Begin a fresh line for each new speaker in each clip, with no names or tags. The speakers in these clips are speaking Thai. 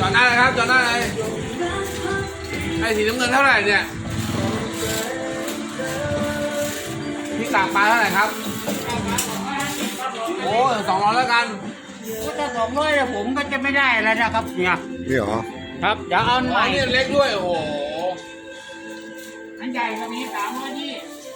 จอดได้เลยครับจอดได้เลยไอ้สีน้ำเงินเท่าไหร่เนี่ยพี่กากปลาเท่าไหร่ครับโอ้200แล้วกัน
ถ้า200เนี่ยผมก็จะไม่ได้แล้วนะครับเนี่ย
นี่เหรอ
ครับเดี๋ยวเอาใหม่
นี่เล็กด้วยโอ้โห
อันใหญ่ก็มี300นี่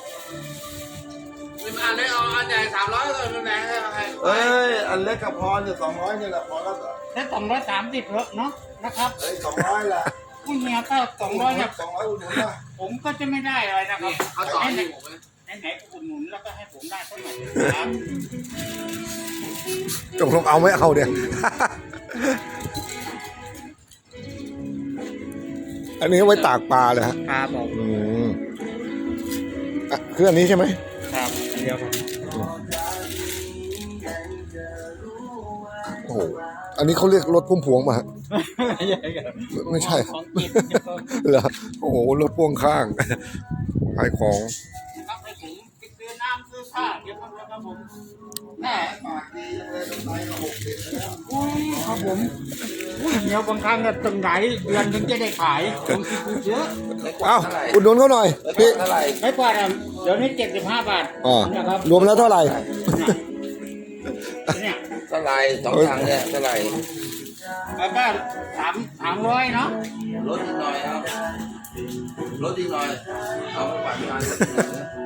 เป็นอันเล็กเอาอันใหญ่300เลยเป็นแรงให้ใคร
เอ้ยอันเล็กกับพอเนี่ย200นี่แหละพอแล้ว
ถ้า230เนาะนะครับ
200แหละ
ผู้เฮียก็200เนี่ย
200อุ่นนะ
ผมก็จะไม่ได้อะไรนะครับ
เอาต่อให้ผม
ไหนอุดหนุนแล้วก็ให้ผมได้เท่าไหร่ครับ
ตกลงเอาไม่เอาเนี่ยอันนี้ไว้ตากปลาเลยฮะ
ครับผม
คืออันนี้ใช่ไหม
ครับอันเดียวครับ
โอ้โหอันนี้เขาเรียกรถพุ่มพวงมาฮะไม่ใช่เหรอโอ้โหรถพ่วงข้างขายของ
ครับให้ผมไปซื้อน้ำซื้อผ้าเดี๋ยวครับผมแม่ปากดีเลยต้องไปมา60ครับผมเดี๋ยวบางครั้งก็ตึงไหนเดือนถึงจะได้ขายผมคิดเยอะ
เอ้าอุดหนุนเขาหน่อยพี่
ไม่กว่าเดี๋ยวนี้75 บาท
นะครับรวมแล้วเท่าไหร่
เนี่ย
เท่าไหร่2 ถังเนี่ยเท่าไหร่
แล้วก็300เนาะ
ลดอีกหน่อยครับลดอีกหน่อยเอาไปปั่นงาน